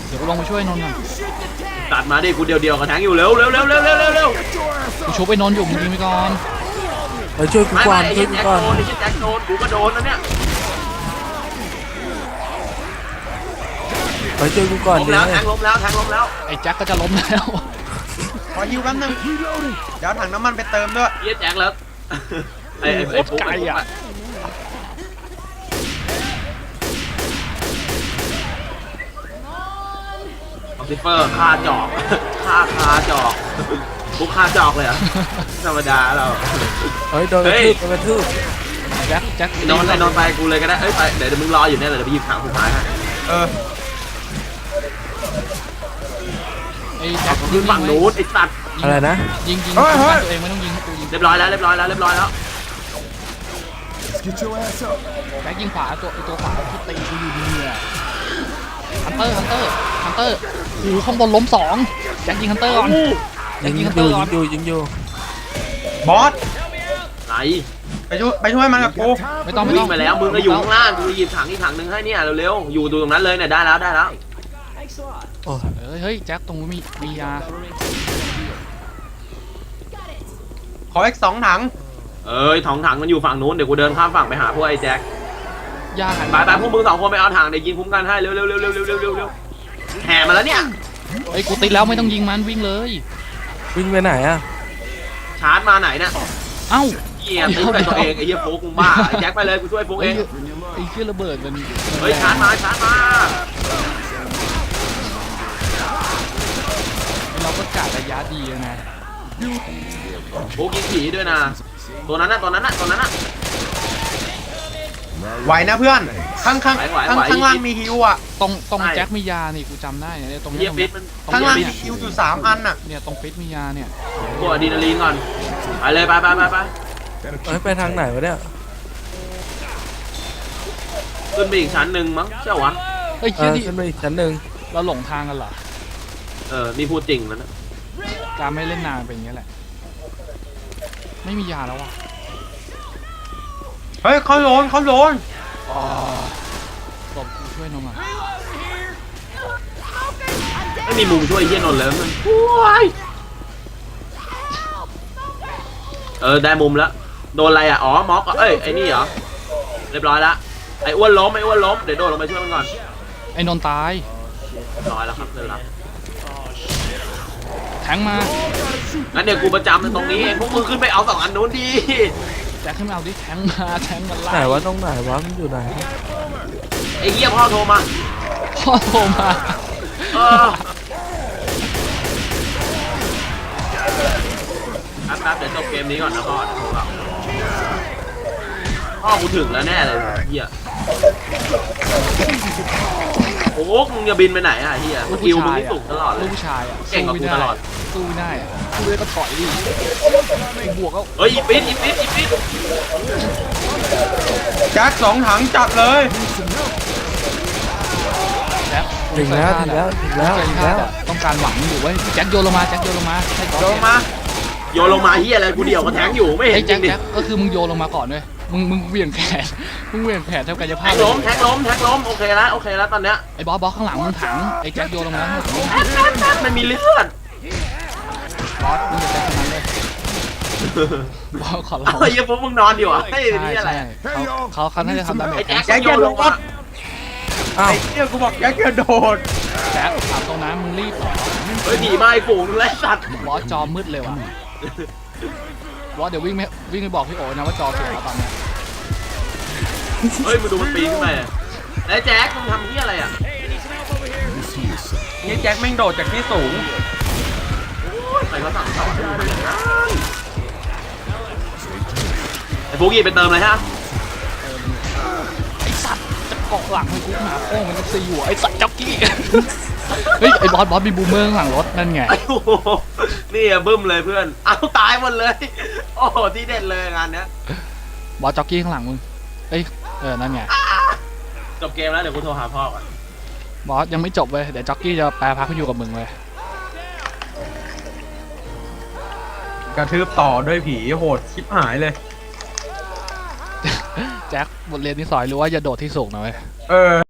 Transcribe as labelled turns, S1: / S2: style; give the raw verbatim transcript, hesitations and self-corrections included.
S1: เดี๋ยวกูลงมาช่วยนนท์ก่อน
S2: ตัดมาดิกูเดียวเดียวกับแทงอยู่เร็วเร็วเร็วเร็วเร็วเร็วเร็ว
S1: กูชุบไปนนท์อยู่มึงยิงไปก่อน
S3: ไปช่วยกู
S2: ไม่
S3: ก่อ
S2: ไม่
S3: น
S2: ไอ้
S3: ช่วยกู
S2: แจ็ค
S3: ก่อน
S2: โดนไอ้แจ็คโดนกูก็โดนนะเนี่ย
S3: ไปช่วยกูก่อน
S2: ล้ม
S3: เดี๋ย
S2: แล้ว วแทงล้มแล้วแทงล้มแล้ว
S1: ไอ้แจ็คก็จะล้มแล้ว
S4: ขอฮิวแป๊บนึงเดี๋ยวถังน้ำมันไปเติมด้วย
S2: เยี่ยแจ็คแล้วไอ้ไอ้ไอ้ปุ๊กไอ้ปุ๊กออฟฟิเฟอร์ฆ่าจอกฆ่าคาจอกปุ๊กฆ่าจอกเลยเหรอธรรมดาเรา
S3: เฮ้ยโดนกระทืบโดนกระทืบ
S1: แจ็คแจ็ค
S2: นอนไปนอนไปกูเลยก็ได้เอ้ยไปเดี๋ยวมึงรออยู่เนี่ยเดี๋ยวไปหยิบถังสุดท้ายฮะ
S4: เออ
S1: ไอ้แจ็ค
S2: ยิงฝั่งนู้นไอ้สัตว์
S3: อะไรนะ
S1: ยิงยิง
S4: เฮ้ยเฮ้ย
S1: ตัวเองไม่ต้องยิงให้กูยิง
S2: เรียบร้อยแล้วเรียบร้อยแล้วเรียบร้อยแล้ว
S1: แจ็คยิงขวาตัวไอ้ตัวขวาที่ตีกูอยู่ดีเนี่ยฮันเตอร์ฮันเตอร์ฮันเตอร์โอ้โหข้างบนล้มสองแจ็คยิงฮันเตอร์ก่อนแจ็
S3: ยิ
S1: ค
S3: ง
S1: ยิงฮัน
S3: อ
S1: เตอยู่ ร์ก่
S3: ยิ
S1: อน
S3: งอยู่ยิงอยู่
S4: บอส
S2: ไหน
S4: ไปช่วยไปช่วยมันกับกู
S1: ไม่ต้องไม่
S2: วิ่
S1: ต้อง ง
S2: ไปแล้วมึงก็อยู่ข้างล่างกูหยิบถังอีกถังนึงให้เนี่ยเร็วๆอยู่ตรงนั้นเลยเนี่ยได้แล้วได้แล้ว
S3: โอ้
S1: เฮ้ยเฮ้ยแจ็คตรงนู้นมีมียา
S4: ขออีกสองถัง
S2: เอ้ยถังถังมันอยู่ฝั่งนู้นเดี๋ยวกูเดินข้ามฝั่งไปหาพวกไอ้แจ็ค
S1: ยาหัน
S2: ไปไปพวกมึงสองคนไปเอาถังเดี๋ยวยิงคุ้มกันให้เร็วเร็วเร็วเร็วเร็วเร็วเร็วเร็วแห่มาแล้วเนี่ย
S1: ไอ้ยกูติดแล้วไม่ต้องยิงมันวิ่งเลย
S3: วิ่งไปไหนอะ
S2: ชาร์จมาไหนเนี่ย
S1: เอ้า
S2: เหี้ยตีใส่ตัวเองไอ้เหี้ยโฟกมึงบ้าไอ้แจ็คไปเลยกูช่วยโฟก
S1: ไอ้
S2: เอง
S1: เหี้ยไอ้เหี้ยระเบิดมัน
S2: เฮ้ยชาร์จมาชาร์จมา
S1: เราก็กะระยะดีนะ
S2: โฟกยิงผีด้วยนะตัวนั้นน่ะตัวนั้นน่ะตัวนั้นน่ะ
S4: ไหวนะเพื่อนข้างข้าง
S2: ไหวไหว
S4: ข้าง
S2: ไหว
S4: ข้างล่างมีฮิวอ่ะ
S1: ตรงตรง
S2: ใช่
S1: แจ็คมียานี่กูจำได้เนี่ยตรง
S2: เหี้
S1: เนี้
S2: ย
S1: ยตรง
S2: ฟิ
S1: เนี้
S2: ต
S1: ย
S2: มัน
S4: ข้างล่าง
S2: ฟิ
S4: มี
S2: ต
S4: ฮิวอยู่สามอันอ่ะ
S1: เนี่ยตรงฟิตมียาเนี่ย
S2: ตัวอะดรีนาลีนก่อนไปเลยไปไปไปไป
S3: เฮ้ยไปทางไหนวะเนี่ย
S2: ขึ้นไปอีกชั้นหนึ่งมั้งใช่วะ
S1: เฮ้ย
S3: เอ
S1: เหี้ย
S3: อ
S1: นี่
S3: ขึ้นไปอีกชั้นหนึ่ง
S1: เราหลงทางกันเหรอ
S2: เออนี่พูดจริงแล้วนะ
S1: การไม่เล่นนานเป็นอย่างเงี้ยแหละไม่มียาแล้วอ่ะ
S4: เฮ้ยเขาโดนเขาโดน
S1: ตบกูช่วยนมอ่ะ
S2: ไม่มีมุมช่วยไอ้เหี้ยนนท์เลยมันโอ้ยเออได้มุมแล้วโดนอะไรอ่ะอ๋อม็อกอ่ะเอ้ยไอ้นี่เหรอเรียบร้อยละไอ้อ้วนล้มไอ้อ้วนล้มเดี๋ยวโดดลงไปช่วยมันก่อน
S1: ไอ้นนท์ตาย
S2: เรียบร้อยแล้วครับเรียบร้อย
S1: แทงมา
S2: งั้นเดี๋ยวกูประจำตรงนี้เองพวกมึงขึ้นไปเอาสองอันนู้นดี
S1: แจ็คขึ้นมาเอาดิแทงมาแทงมันไล่
S3: ไหนวะตรงไหนวะมันอยู่ไหน
S2: ไอ้เหี้ยพ่อโทรมา
S1: พ่อโทรมา
S2: เออแป๊บๆเดี๋ยวจบเกมนี้ก่อนนะพ่อเดี๋ยวโทรกลับพ่อกูถึงแล้วแน่เลยเหี้ยโอ้โหมึงจะบินไปไหนอ่ะเหี้ยสกิลมึงนี่สูงตลอดเล
S1: ลู
S2: ย
S1: กผู้ชายอ่ะ
S2: เก่งกว่ากูตลอด
S1: สู้ไม่ได้อะสู้ไม่ได้ก็ถอยดิบวกก็
S2: เฮ้ยอีปิดอีปิดอีปิด
S4: แจ็คสองถังจัดเลย
S1: แจ็ค
S3: ถึงแล้วถึงแล้วถึงแล้วถึงแล้ว
S1: ต้องการหวังอยู่เว้ยแจ็คโยนลงมาแจ็คโยนลงมาให้ก่อน
S4: โดนมา
S2: โยนลงมาเฮียอะไรกูเดี่ยวกับแทงอยู่ไม่เห็
S1: ไอ้
S2: นจ
S1: แจ็
S2: ริ
S1: ค
S2: งดิ
S1: แจ็คก็คือมึงโยนลงมาก่อนเว้ยมึงมึงเหวี่ยงแขนมึงเหวี่ยงแขนเท่ากับจะ
S2: แท
S1: พลาด
S2: งล้มแทงล้มแทงล้มโอเคแล้วโอเคแล้วตอนเนี้ย
S1: ไอ้บอสบอสข้างหลังมึงถังไอ้แจ็คโยนลงมาให้ถึง
S2: แทงแทงแทงมันมีเลือด
S1: บอสมึงจะแจ็คคนนั้นเลยบอสขอร้อง
S2: เฮ้ยพวกมึงนอนอยู่อ่ะเฮ้ย
S1: ใช่
S2: นี่อะไร
S1: ใช่เขาเขาเขาน่าจะทำดาเม
S2: ไอ้
S1: จ
S2: แจ็คแจ็คโยนลงมา
S3: อ้าว
S4: ไอ้เหี้ยกูบอกแจ็คจะโดด
S1: แจ็คถามตรงนั้นมึงรีบเหรอ
S2: เฮ้ยผีมาไอ้ฝูงนึงเลยสัตว์
S1: บอสจอมืดเลยว่ะบอสเดี๋ยววิ่งไปวิ่งไปบอกพี่โอ๋นะว่าจอเสียแล้วตอนเนี้ย
S2: เฮ้ยมึงดูมันปีนขึ้นไปแล้วแจ็คมึงทำที่อะไรอ่ะ
S4: นี่แจ็คแม่งโดดจากที่สูง
S2: ใครเขาสั่งสอนไอ้ฟูกี้ไปเติมเลยฮะ
S1: ไอ้สัตว์จะเกาะหลังมันกูหนาโค้งมันจะซีหัวไอ้สัตว์จ็อกกี้เฮ้ยไอ้บอสบอสมีบูมเมอร์ข้างหลังรถนั่นไง
S2: ไอ้โหนี่อะบึ้มเลยเพื่อนเอาตายหมดเลยโอ้โหที่เด็ดเลยงานเนี้ย
S1: บอสจ็อกกี้ข้างหลังมึงเอ้ยเออนั่นไง
S2: จบเกมแล้วเดี๋ยวกูโทรหาพ่อก่อน
S1: บอสยังไม่จบเว้ยเดี๋ยวจ็อกกี้จะแปรพักอยู่กับมึงเลย
S4: กระทืบต่อด้วยผีโหดชิบหายเลย
S1: แจ็คบทเรียนที่สอยรู้ว่าอย่าโดดที่สูงนะเว้ย
S4: เออ